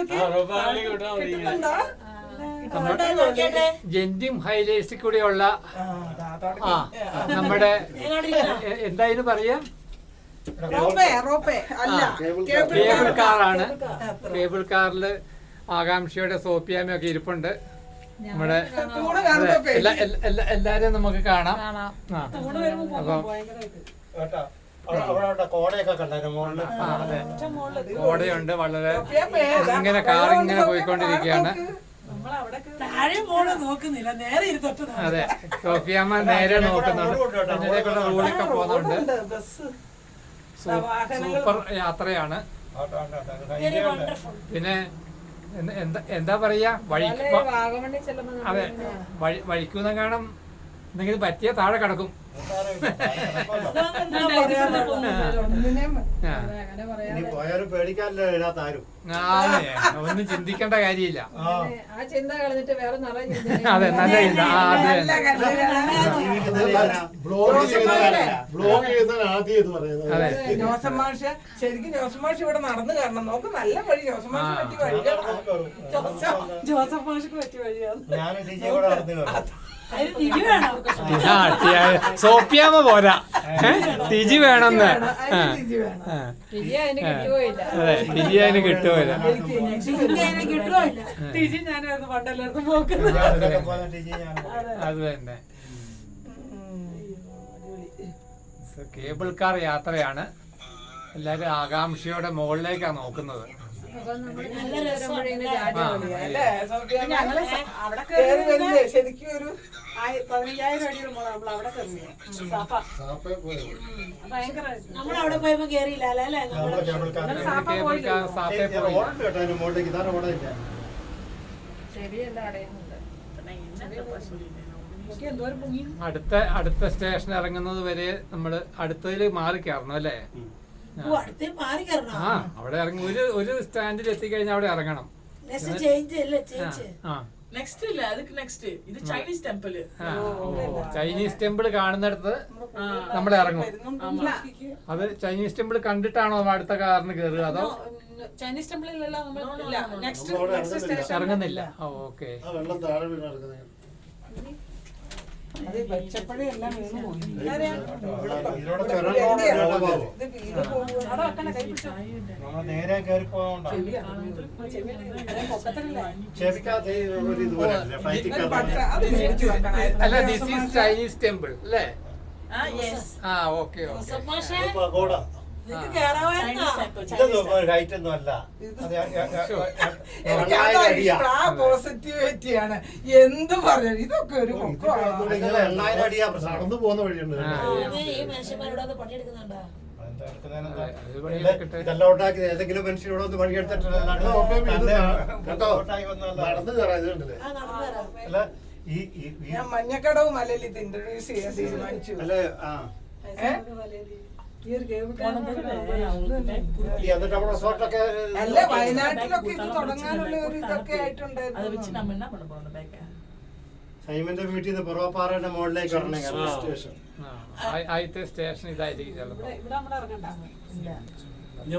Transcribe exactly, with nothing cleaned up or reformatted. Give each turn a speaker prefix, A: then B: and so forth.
A: ജെന്റിം ഹൈലൈറ്റ്സിൽ കൂടെയുള്ള ആ നമ്മുടെ എന്തായാലും പറയാ കേബിൾ കാറാണ്. കേബിൾ കാറില് ആകാംക്ഷയുടെ സോപ്പിയാമയൊക്കെ ഇരിപ്പുണ്ട്. നമ്മുടെ എല്ലാരും നമുക്ക് കാണാം. അപ്പം കോടയുണ്ട് വളരെ. ഇങ്ങനെ കാർ ഇങ്ങനെ പോയിക്കൊണ്ടിരിക്കുകയാണ്. അതെ, സോഫിയാമ്മ നേരെ നോക്കുന്നുണ്ട്. ഇതിലേക്കുള്ള റോഡിലൊക്കെ പോകുന്നുണ്ട്. സൂപ്പർ യാത്രയാണ്. പിന്നെ എന്താ എന്താ പറയാ, വഴിക്ക് അതെ വഴി വഴിക്കുന്ന കാണാം. എന്തെങ്കിലും പറ്റിയ താഴെ കിടക്കും. ഒന്നും ചിന്തിക്കേണ്ട കാര്യമില്ല. അതെ, നല്ല ചിന്ത.
B: ശരിക്കും ജോസഫ് മാഷ് ഇവിടെ നടന്നു കാരണം നോക്ക്, നല്ല വഴി. ജോസഫ് മാഷ് പറ്റിയ വഴിയാണ്. ജോസഫ് മാഷിക്ക് പറ്റിയ വഴിയാണ്.
A: സോപ്പിയാമ പോരാ, ടിജി വേണമെന്ന്.
C: അതെ, ടിജി
A: അതിന് കിട്ടുമല്ല. അത് തന്നെ. കേബിൾ കാർ യാത്രയാണ്. എല്ലാരും ആകാംക്ഷയോടെ മുകളിലേക്കാണ് നോക്കുന്നത്.
B: ശരിക്കും ഒരു പതിനഞ്ചായിരം അടി നമ്മൾ അവിടെ നമ്മളവിടെ പോയപ്പോ കേറിയില്ല അല്ലേ?
A: അടുത്ത അടുത്ത സ്റ്റേഷൻ ഇറങ്ങുന്നത് വരെ നമ്മള് അടുത്തതിൽ മാറി കയറണം അല്ലേ? ആ, അവിടെ ഇറങ്ങി ഒരു ഒരു സ്റ്റാൻഡിൽ എത്തിക്കഴിഞ്ഞാൽ അവിടെ ഇറങ്ങണം. ചൈനീസ് ടെമ്പിൾ കാണുന്നിടത്ത് നമ്മൾ ഇറങ്ങും. അത് ചൈനീസ് ടെമ്പിൾ കണ്ടിട്ടാണോ അടുത്ത കാറിന് കയറുക, അതോ
B: ചൈനീസ് ടെമ്പിളിലല്ല
A: ഇറങ്ങുന്നില്ല? ഓക്കെ.
D: നേരെ കയറി പോകണ്ട.
A: അല്ല, ദിസ് ഈസ് ചൈനീസ് ടെമ്പിൾ അല്ലേ? ആ, ഓക്കെ ഓക്കെ.
D: ഹൈറ്റൊന്നും അല്ല,
B: പോസിറ്റിവിറ്റിയാണ്. എന്ത് പറഞ്ഞു, ഇതൊക്കെ ഒരു
D: എണ്ണായിരം അടിയാ നടന്നു പോകുന്ന വഴിയുണ്ട്. ഇതെല്ലാം ഉണ്ടാക്കി ഏതെങ്കിലും മനുഷ്യരോട് ഒന്ന് പണിയെടുത്തിട്ടില്ല.
B: മഞ്ഞക്കടവ് മലയിൽ ഇത് ഇൻട്രൊഡ്യൂസ് ചെയ്യാൻ തീരുമാനിച്ചു അല്ലേ? അല്ല, വയനാട്ടിലൊക്കെ ഇത് തുടങ്ങാനുള്ള ഒരു ഇതൊക്കെ ആയിട്ടുണ്ടായിരുന്നു.
D: സൈമന്റെ വീട്ടിൽ നിന്ന് പുറപ്പാറയുടെ മുകളിലേക്ക്
A: ആദ്യത്തെ സ്റ്റേഷൻ ഇതായിരിക്കും ചിലപ്പോ.